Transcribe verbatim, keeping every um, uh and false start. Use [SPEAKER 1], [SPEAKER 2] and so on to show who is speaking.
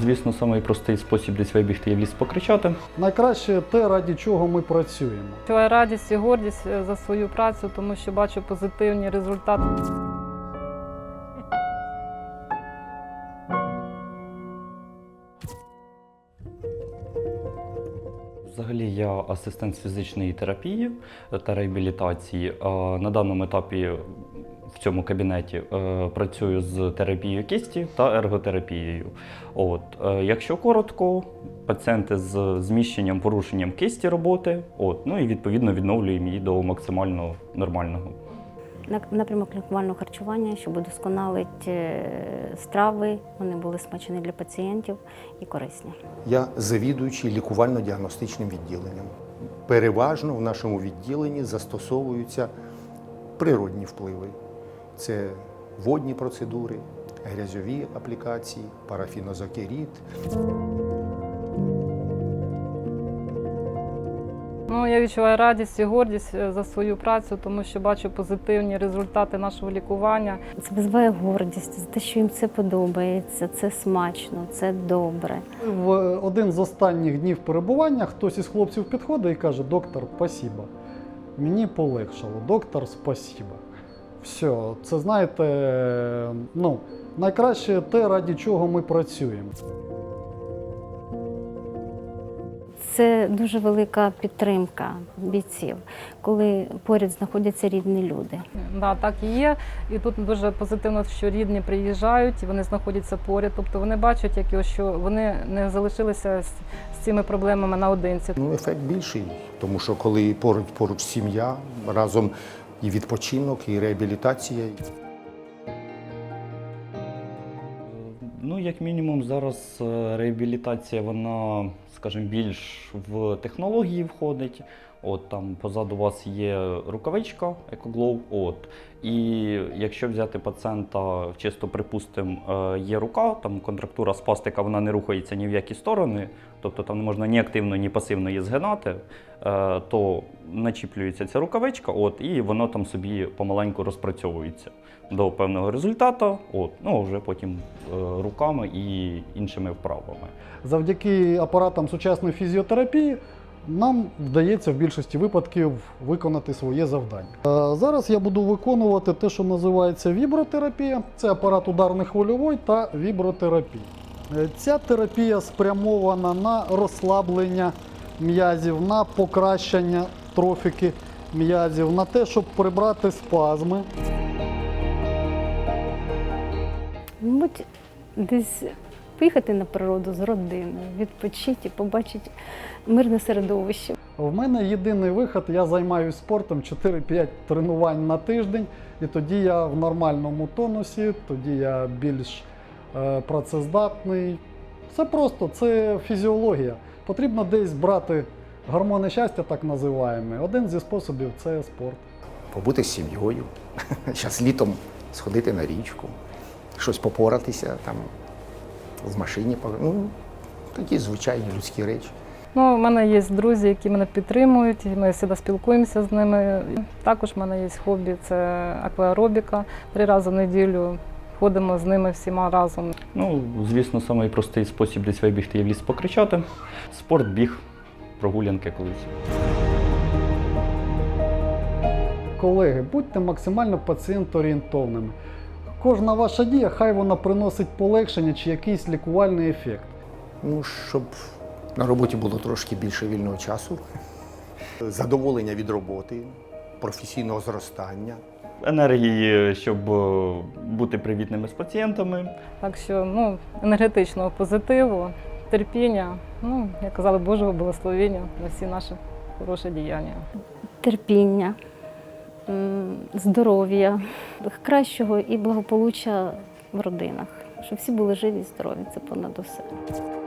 [SPEAKER 1] звісно, самий простий спосіб десь вибігти і в ліс покричати.
[SPEAKER 2] Найкраще те, ради чого ми працюємо.
[SPEAKER 3] Відчуваю радість і гордість за свою працю, тому що бачу позитивні результати.
[SPEAKER 1] Взагалі я асистент з фізичної терапії та реабілітації. На даному етапі в цьому кабінеті працюю з терапією кисті та ерготерапією. От. Якщо коротко, пацієнти з зміщенням, порушенням кисті роботи, от, ну і відповідно відновлюємо її до максимально нормального.
[SPEAKER 4] Напрямок лікувального харчування, щоб удосконалити страви, вони були смачні для пацієнтів і корисні.
[SPEAKER 5] Я завідуючий лікувально-діагностичним відділенням. Переважно в нашому відділенні застосовуються природні впливи. Це водні процедури, грязьові аплікації, парафінозокерід.
[SPEAKER 3] Ну, я відчуваю радість і гордість за свою працю, тому що бачу позитивні результати нашого лікування.
[SPEAKER 4] Це визиває гордість за те, що їм це подобається, це смачно, це добре.
[SPEAKER 2] В один з останніх днів перебування хтось із хлопців підходить і каже: доктор, спасибо. Мені полегшало, доктор, спасибо. Все, це, знаєте, ну, найкраще те, ради чого ми працюємо.
[SPEAKER 4] Це дуже велика підтримка бійців, коли поряд знаходяться рідні люди.
[SPEAKER 3] Да, так і є. І тут дуже позитивно, що рідні приїжджають, і вони знаходяться поряд. Тобто вони бачать, як, що вони не залишилися з, з цими проблемами наодинці.
[SPEAKER 5] Ну, ефект більший, тому що коли поруч, поруч сім'я, разом і відпочинок, і реабілітація.
[SPEAKER 1] Ну, як мінімум, зараз реабілітація, вона, скажімо, більш в технології входить. От, там позаду вас є рукавичка EcoGlow. От. І якщо взяти пацієнта, чисто припустимо, є рука, там контрактура спастика, вона не рухається ні в які сторони, тобто там не можна ні активно, ні пасивно її згинати, то начіплюється ця рукавичка, от, і воно там собі помаленьку розпрацьовується до певного результату, от, ну, вже потім руками і іншими вправами.
[SPEAKER 2] Завдяки апаратам сучасної фізіотерапії нам вдається в більшості випадків виконати своє завдання. Зараз я буду виконувати те, що називається вібротерапія. Це апарат ударно-хвильовий та вібротерапія. Ця терапія спрямована на розслаблення м'язів, на покращення трофіки м'язів, на те, щоб прибрати спазми.
[SPEAKER 4] Мабуть, десь поїхати на природу з родиною, відпочити і побачити мирне середовище.
[SPEAKER 2] В мене єдиний вихід, я займаюся спортом, чотири-п'ять тренувань на тиждень, і тоді я в нормальному тонусі, тоді я більш е, працездатний. Це просто, це фізіологія. Потрібно десь брати гормони щастя, так називаємо. Один зі способів – це спорт.
[SPEAKER 5] Побути з сім'єю, зараз літом сходити на річку, щось попоратися, там, в машині, ну, такі звичайні людські речі.
[SPEAKER 3] Ну, у мене є друзі, які мене підтримують, ми завжди спілкуємося з ними. Також в мене є хобі – це акваеробіка. Три рази в неділю ходимо з ними всіма разом.
[SPEAKER 1] Ну, звісно, самий простий спосіб десь вибігти і в ліс покричати. Спорт, біг, прогулянки колись.
[SPEAKER 2] Колеги, будьте максимально пацієнт-орієнтовними. Кожна ваша дія, хай вона приносить полегшення чи якийсь лікувальний ефект.
[SPEAKER 5] Ну, щоб на роботі було трошки більше вільного часу, задоволення від роботи, професійного зростання.
[SPEAKER 1] Енергії, щоб бути привітними з пацієнтами.
[SPEAKER 3] Так що, ну, енергетичного позитиву, терпіння, ну, як казали, Божого благословення на всі наші хороші діяння.
[SPEAKER 4] Терпіння, здоров'я, кращого і благополуччя в родинах, щоб всі були живі і здорові, це понад усе.